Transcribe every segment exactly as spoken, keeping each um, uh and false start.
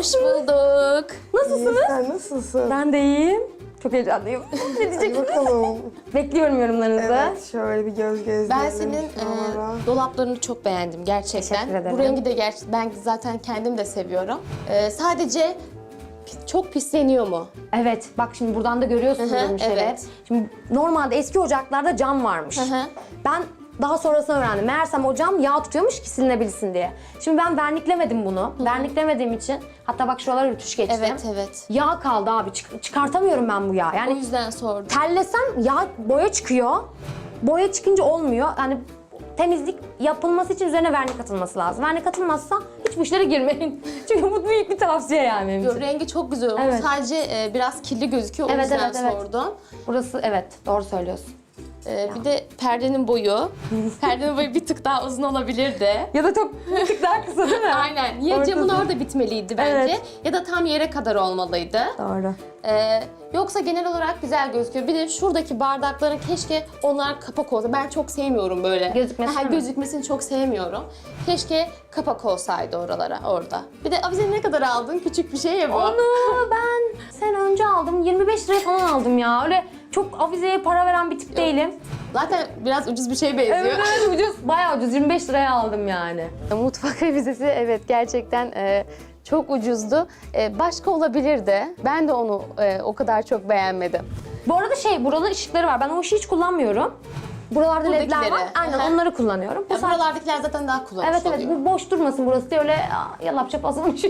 Hoş bulduk. Nasılsınız? İyi, sen nasılsın? Ben de iyiyim. Çok heyecanlıyım. Ne Hadi diyeceksiniz? bakalım. Bekliyorum yorumlarınızı. Evet, şöyle bir göz gezdirelim. Ben senin e, sonra. dolaplarını çok beğendim gerçekten. Teşekkür ederim. Bu rengi de ger ben zaten kendim de seviyorum. E, sadece pi- çok pisleniyor mu? Evet, bak şimdi buradan da görüyorsunuz Hı hı, Gülmüşleri. evet. Şimdi normalde eski ocaklarda cam varmış. Hı hı. Ben daha sonrasında öğrendim. Meğersem o cam yağ tutuyormuş ki silinebilsin diye. Şimdi ben verniklemedim bunu. Verniklemediğim için, hatta bak şuralara rütuş geçtim. Evet, evet. Yağ kaldı abi, çık- çıkartamıyorum ben bu yağı. O Yani yüzden sordum. terlesem yağ, boya çıkıyor. Boya çıkınca olmuyor. Yani temizlik yapılması için üzerine vernik atılması lazım. Vernik atılmazsa hiç bu işlere girmeyin. Çünkü bu büyük bir tavsiye yani benim Yo, için. rengi çok güzel olmuş. Evet. Sadece e, biraz kirli gözüküyor. O Evet, yüzden evet, evet. sordum. Burası evet, doğru söylüyorsun. E, bir de perdenin boyu. Perdenin boyu bir tık daha uzun olabilirdi. Ya da çok bir tık daha kısa değil mi? Aynen. Ya Ortası. camın orada bitmeliydi bence Evet. ya da tam yere kadar olmalıydı. Doğru. Ee, yoksa genel olarak güzel gözüküyor. Bir de şuradaki bardakların keşke onlar kapak olsa. Ben çok sevmiyorum böyle. Gözükmesini Ha, mi? gözükmesini çok sevmiyorum. Keşke kapak olsaydı oralara, orada. Bir de avizeni ne kadar aldın? Küçük bir şey ya bu. Onu ben sen önce aldım. yirmi beş liraya falan aldım ya. Öyle çok avizeye para veren bir tip değilim. Zaten biraz ucuz bir şey benziyor. Evet evet ucuz. Bayağı ucuz. yirmi beş liraya aldım yani. Mutfak avizesi evet gerçekten e, çok ucuzdu. E, başka olabilirdi. Ben de onu e, o kadar çok beğenmedim. Bu arada şey, burada ışıkları var. Ben o ışığı hiç kullanmıyorum. Buralarda ledler var. Buradakileri. Aynen Aha. onları kullanıyorum. Bu Ya, sadece- buralardakiler zaten daha kullanışlı Evet evet, oluyor. bu boş durmasın burası diye öyle aa, yalap çap asılmış.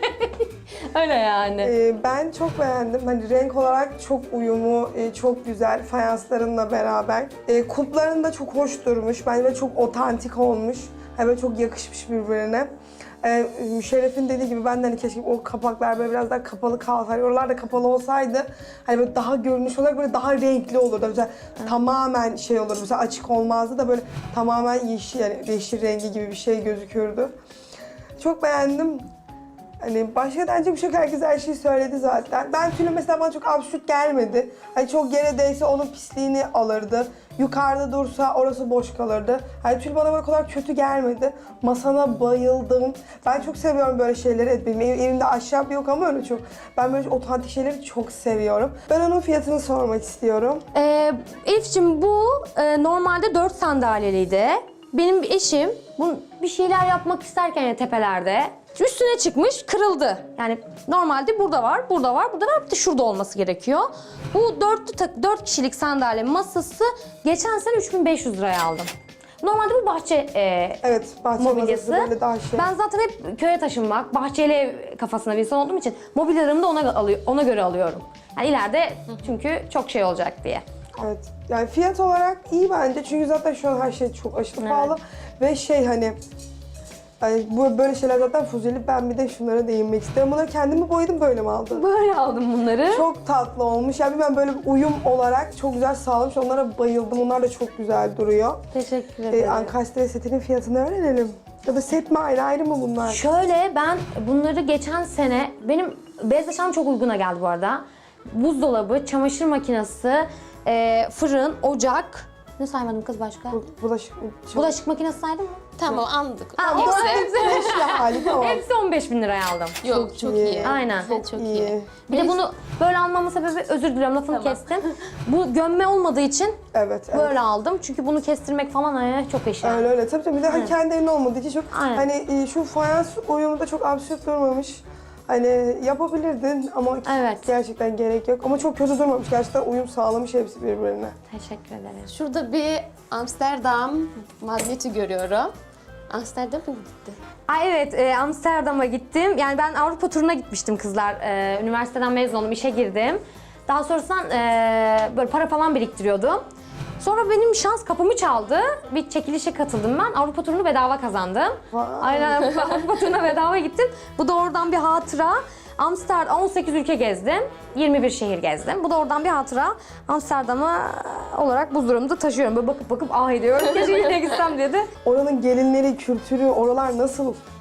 Öyle yani. Ee, ben çok beğendim. Hani renk olarak çok uyumu, e, çok güzel fayanslarınla beraber. E, kupların da çok hoş durmuş. Bence çok otantik olmuş. Hani böyle çok yakışmış birbirine. Ee, Müşerref'in dediği gibi ben de hani keşke o kapaklar böyle biraz daha kapalı kalsaydı. Oralar da kapalı olsaydı hani böyle daha görünüş olarak böyle daha renkli olurdu. Mesela tamamen şey olurdu. Mesela açık olmazdı da böyle tamamen yeşil, yani yeşil rengi gibi bir şey gözükürdü. Çok beğendim. Hani başka denecek bir şey yok. Herkes her şeyi söyledi zaten. Ben tülü mesela bana çok absürt gelmedi. Hani çok yere değse onun pisliğini alırdı. Yukarıda dursa orası boş kalırdı. Hani tül bana o kadar kötü gelmedi. Masana bayıldım. Ben çok seviyorum böyle şeyleri. Benim ev- evimde ahşap yok ama öyle çok. Ben böyle otantik şeyleri çok seviyorum. Ben onun fiyatını sormak istiyorum. Ee, Elif'ciğim bu e, normalde dört sandalyeliydi. Benim eşim bu bir şeyler yapmak isterken ya tepelerde üstüne çıkmış, kırıldı. Yani normalde burada var, burada var, burada var, bir de şurada olması gerekiyor. Bu dörtlü tak, dört kişilik sandalye masası geçen sene üç bin beş yüz liraya aldım. Normalde bu bahçe e, Evet, bahçe mobilyası. masası böyle daha şey. Ben zaten hep köye taşınmak, bahçeli ev kafasına bir insan olduğum için mobilyalarımı da ona, alıyor, ona göre alıyorum. Yani ileride çünkü çok şey olacak diye. Evet. Yani fiyat olarak iyi bence çünkü zaten şu an her şey çok aşırı Evet. pahalı ve şey hani yani bu böyle şeyler zaten fuzuli. Ben bir de şunlara değinmek istiyorum. Bunları kendimi boyadım, böyle mi aldın? Böyle aldım bunları. Çok tatlı olmuş. Yani ben böyle bir uyum olarak çok güzel sağlamış. Onlara bayıldım. Onlar da çok güzel duruyor. Teşekkür Ee, ederim. Ankastre setinin fiyatını öğrenelim. Ya da set mi ayrı ayrı mı bunlar? Şöyle, ben bunları geçen sene, benim bez eşyam çok uyguna geldi bu arada. Buzdolabı, çamaşır makinesi, e, fırın, ocak. Ne saymadım kız başka? Bu- Bulaşık. Bulaşık makinesi saydım mı? Tamam anladık. Ha, Hepsi. hepsi. Eşya hali tamam. Hepsi on beş bin liraya aldım. Yok çok iyi. Aynen. Çok, çok iyi. iyi. Bir de bunu böyle almamın sebebi, özür diliyorum lafını Tamam. kestim. Bu gömme olmadığı için Evet, evet. böyle aldım. Çünkü bunu kestirmek falan ay, çok eşya. Öyle öyle. Tabii tabii. Bir de hani kendi evin olmadığı için çok Aynen. hani e, şu fayans uyumu da çok absürt durmamış. Hani yapabilirdin ama Evet. gerçekten gerek yok. Ama çok kötü durmamış. Gerçekten uyum sağlamış hepsi birbirine. Teşekkür ederim. Şurada bir Amsterdam magneti görüyorum. Amsterdam mı gitti? Ay evet, e, Amsterdam'a gittim. Yani ben Avrupa turuna gitmiştim kızlar. E, üniversiteden mezun oldum, işe girdim. Daha sonrasında e, böyle para falan biriktiriyordum. Sonra benim şans kapımı çaldı. Bir çekilişe katıldım ben. Avrupa turunu bedava kazandım. Vay. Aynen, Avrupa turuna bedava gittim. Bu da oradan bir hatıra. Amsterdam, on sekiz ülke gezdim. yirmi bir şehir gezdim. Bu da oradan bir hatıra. Amsterdam'a olarak buzdolabımda taşıyorum. Böyle bakıp bakıp ah ediyorum. Keşke yine gitsem dedi. Oranın gelinleri, kültürü, oralar nasıl?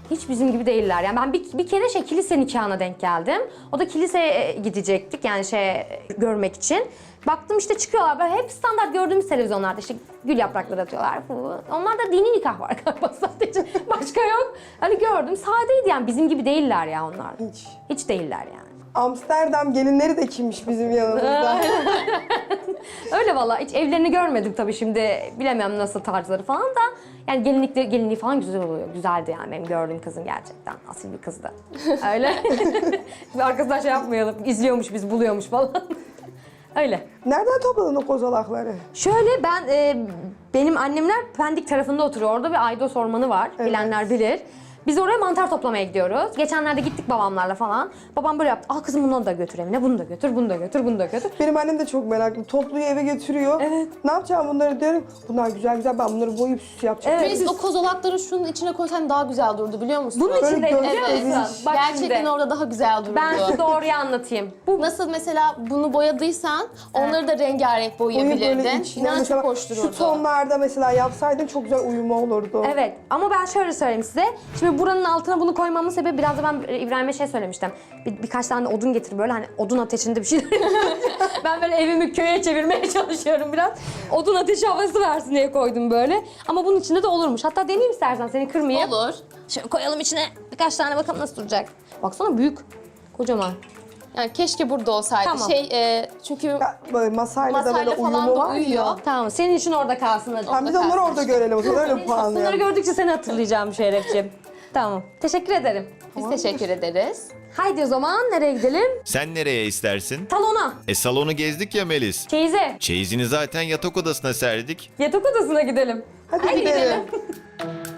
Hiç bizim gibi değiller. Yani ben bir, bir kere şey kilise nikahına denk geldim. O da kiliseye gidecektik yani şey görmek için. Baktım işte çıkıyorlar böyle hep standart gördüğümüz televizyonlarda işte gül yaprakları atıyorlar. Onlar da dini nikah var galiba sadece. Başka yok. Hani gördüm sadeydi yani bizim gibi değiller ya onlar. Hiç. Hiç değiller yani. Amsterdam gelinleri de kimmiş bizim yanımızda. Öyle valla hiç evlerini görmedim tabii şimdi bilemem nasıl tarzları falan da yani gelinlikleri gelinliği falan güzel oluyor. Güzeldi yani benim gördüğüm kızın gerçekten asil bir kızdı. Öyle. Bir arkasından şey yapmayalım. İzliyormuş biz buluyormuş falan. Öyle. Nereden topladın o kozalakları? Şöyle ben e, benim annemler Pendik tarafında oturuyor. Orada bir Aydos ormanı var. Evet. Bilenler bilir. Biz oraya mantar toplamaya gidiyoruz. Geçenlerde gittik babamlarla falan. Babam böyle yaptı. Al kızım bunu da götür evine. Bunu da götür, bunu da götür, bunu da götür. Benim annem de çok meraklı. Topluyu eve götürüyor. Evet. Ne yapacağım bunları diyorum. Bunlar güzel güzel ben bunları boyayıp süs yapacağım. Evet. Melis o kozalakları şunun içine koysan daha güzel durdu biliyor musun? Bunun Böyle içinde göz- biliyor Evet. musun? Bak Gerçekten şimdi. orada daha güzel durdu. Ben size doğruyu anlatayım. Bu Nasıl mesela bunu boyadıysan onları da rengarenk Boyayıp böyle boyayabilirdin. içine İnan mesela çok hoş şu dururdu. tonlarda mesela yapsaydın çok güzel uyumu olurdu. Evet ama ben şöyle söyleyeyim size. Şimdi buranın altına bunu koymamın sebebi biraz da ben İbrahim'e şey söylemiştim. Bir, birkaç tane de odun getir böyle hani odun ateşinde bir şeyler. Ben böyle evimi köye çevirmeye çalışıyorum biraz. Odun ateşi havası versin diye koydum böyle. Ama bunun içinde de olurmuş. Hatta deneyeyim istersen seni kırmayayım. Olur. Şöyle koyalım içine birkaç tane bakalım nasıl duracak. Baksana büyük. Kocaman. Yani keşke burada olsaydı. Tamam. Şey e, çünkü Ya, böyle masayla, da masayla böyle falan uyumu da var uyuyor. ya. Tamam senin için orada kalsın hadi. Tamam, biz onları orada görelim o zaman öyle Bunları puanlayalım. gördükçe seni hatırlayacağım Şerefciğim. Tamam. Teşekkür ederim. Biz teşekkür ederiz. Haydi o zaman nereye gidelim? Sen nereye istersin? Salona. E salonu gezdik ya Melis. Çeyize. Çeyizini zaten yatak odasına serdik. Yatak odasına gidelim. Hadi, gidelim. gidelim.